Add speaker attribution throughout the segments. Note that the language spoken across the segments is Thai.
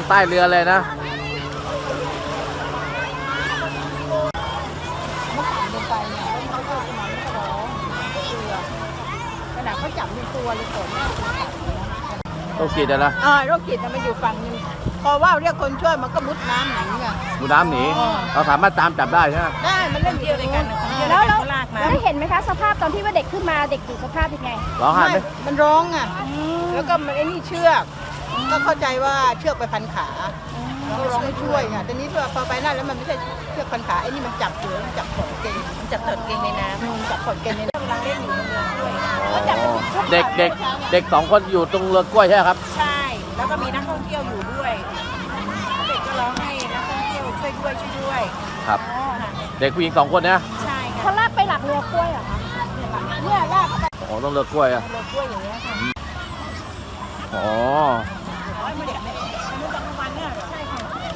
Speaker 1: ใต้เรือเลยนะ
Speaker 2: เมื่อก่อนลงไปเนี่ยเขาก็จะมาไม่ร้องเชือกขนาดเขาจับเป็นตัวเลยก่อนหน้าตัวจับ
Speaker 1: โรคจิตนะ
Speaker 2: โรคจิตมันอยู่ฝั่งนึงพอว่าเรียกคนช่วยมันก็มุดน้ำหนีไง
Speaker 1: มุดน้ำหนีเราสามารถตามจับได้ใช่ไหม
Speaker 2: ได้มันเล่นเดียวกัน
Speaker 3: แล้วได้เห็นไหมคะสภาพตอนที่ว่าเด็กขึ้นมาเด็กอยู่สภาพยังไง
Speaker 1: ร้องไห้ไหม
Speaker 2: มันร้องอ่ะแล้วก็มันไอ้นี่เชือกก็เข้าใจว่าเชือกไปพันขาก็ร้องให้ช่วยไงแต่นี้พอไปนั่นแล้วมันไม่ใช่เชือกพันขาไอ้นี่มันจับเสือมันจับขอดเกงมันจับขอดเกงในน้ำจับขอดเกงในน้ำกำลังเล่นอยู่ในเรือด้วย
Speaker 1: เด็ก2 คนอยู่ตรงเรือกล้วยใช่ไหมครับ
Speaker 2: ใช่แล้วก็มีนักท่องเที่ยวอยู่ด้วยเด็กก็ร้องให้นักท่องเที่ยวช่วยด้วย
Speaker 1: ครับเด็กผู้หญิง2 คนนะ
Speaker 2: ใช่ค่ะ
Speaker 3: เขาลากไปหลักเรือกล้วยเหรอคะเนี่ยลากไป
Speaker 1: อ๋อต้องเรือกล้วยอะ
Speaker 2: เรือกล้วยอย่างเงี้ยค่ะ
Speaker 1: อ๋อ
Speaker 2: ไม่เด็กไม่รู้บางวันเนี่ยใช่ค่ะ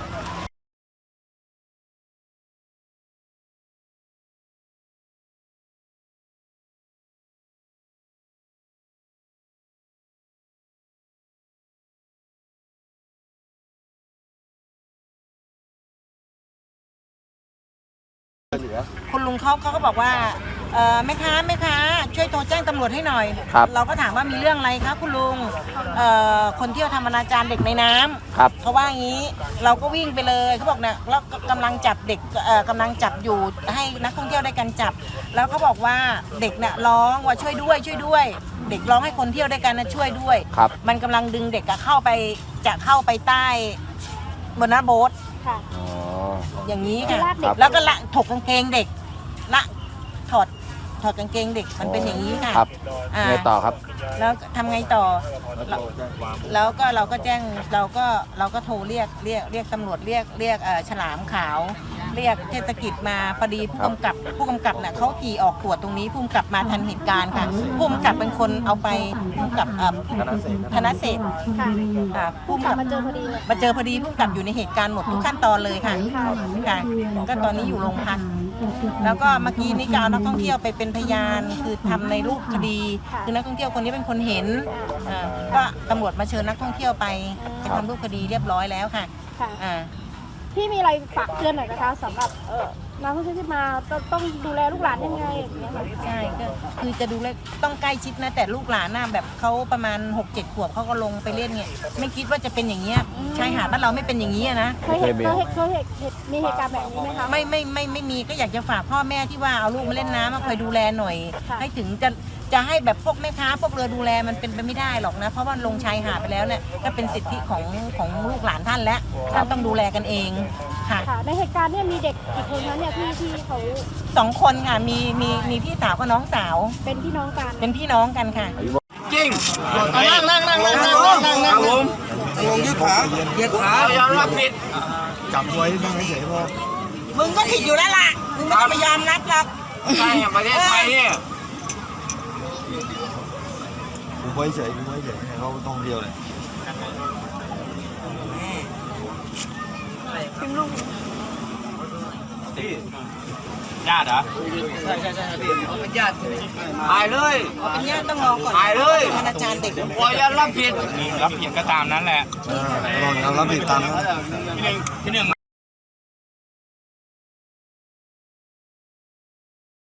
Speaker 2: คุณลุงเขาก็บอกว่าแม่ค้าช่วยโทรแจ้งตำรวจให้หน่อยเราก็ถามว่ามีเรื่องอะไรคะคุณลุงคนเที่ยวทำอนาจารเด็กในน้ำเขาว่างี้เราก็วิ่งไปเลยเขาบอกเนี่ยแล้วกำลังจับเด็กกำลังจับอยู่ให้นักท่องเที่ยวได้กันจับแล้วเขาบอกว่าเด็กเนี่ยร้องว่าช่วยด้วยเด็กร้องให้คนเที่ยวได้กันนะช่วยด้วยมันกำลังดึงเด็กเข้าไปใต้บนหน้าโบ๊ทอย่างนี้ค่ะแล้วก็ละถกกางเกงเด็กละถอดกางเกงเด็กมันเป็นอย่างนี้ค่ะ
Speaker 1: ไงต่อครับ
Speaker 2: แล้วทำไงต่อแล้วก็เราก็แจ้งเราก็โทรเรียกตำรวจเรียกฉลามขาวเรียกเทศกิจมาพอดีผู้กำกับเนี่ยเขาขี่ออกตรวจตรงนี้ผู้กำกับมาทันเหตุการณ์ค่ะผู้กำกับเป็นคนเอาไปผู้กำกับธนเศรษฐ์ผู้กำกับมาเจอพอดีผู้กำกับอยู่ในเหตุการณ์หมดทุกขั้นตอนเลยค่ะก็ตอนนี้อยู่โรงพักแล้วก็เมื่อกี้นี่ก็เอานักท่องเที่ยวไปเป็นพยานคือทำในรูปคดีคือนักท่องเที่ยวคนนี้เป็นคนเห็นก็ตำรวจมาเชิญนักท่องเที่ยวไปทำรูปคดีเรียบร้อยแล้วค่ะ
Speaker 3: พี่มีอะไรฝากเตือนหน่อยนะคะสำหรับนักท่องเที่ยวที่มาต้องดูแลลูกหลานยังไง
Speaker 2: ใช่ก็คือจะดูแลต้องใกล้ชิดนะแต่ลูกหลานน่ะแบบเขาประมาณ 6-7 ขวบเขาก็ลงไปเล่นเนี่ยไม่คิดว่าจะเป็นอย่างเงี้ยชายหาดบ้านเราไม่เป็นอย่างนี้นะ
Speaker 3: เคยเห็นมีเหตุการณ์แบบนี้ไหมคะ
Speaker 2: ไม่มีก็อยากจะฝากพ่อแม่ที่ว่าเอาลูกมาเล่นน้ำมาคอยดูแลหน่อยให้ถึงจะให้แบบพวกแม่ค้าพวกเรือดูแลมันเป็นไปไม่ได้หรอกนะเพราะว่าลงชายหาดไปแล้วเนี่ยก็เป็นสิทธิของลูกหลานท่านแล้วท่านต้องดูแลกันเองค่ะ
Speaker 3: ในเหตุการณ์เนี่ยมีเด็กกี่คนคะเนี่ยที่เขา
Speaker 2: 2 คนค่ะมีพี่สาวกับน้องสาว
Speaker 3: เป็นพี่น้อง
Speaker 2: กันค่ะ
Speaker 1: จริง
Speaker 4: นั่งผมยืดขา
Speaker 1: อย่ารับผิด
Speaker 4: จับไว้นั่งเฉยพอ
Speaker 2: มึงก็ผิดอยู่แล้วล่ะมึงไม่ต้องไปยอมรับหรอก
Speaker 1: ใช่ประเทศไทยเนี่ย
Speaker 4: กูไว้เฉยเขาต้องเดียวเลย
Speaker 1: ญาติเหรอใช่พี่เขาเป็นญาติถ่ายเลย
Speaker 2: เป็นญาติต้องรอก่อน
Speaker 1: ถ่ายเลย
Speaker 2: อนาจารเด็ก
Speaker 1: ปล่อยอย่ารับผิดก็ตามนั้นแหละ
Speaker 4: รับผิดตามนั้น
Speaker 1: ที่หนึ่ง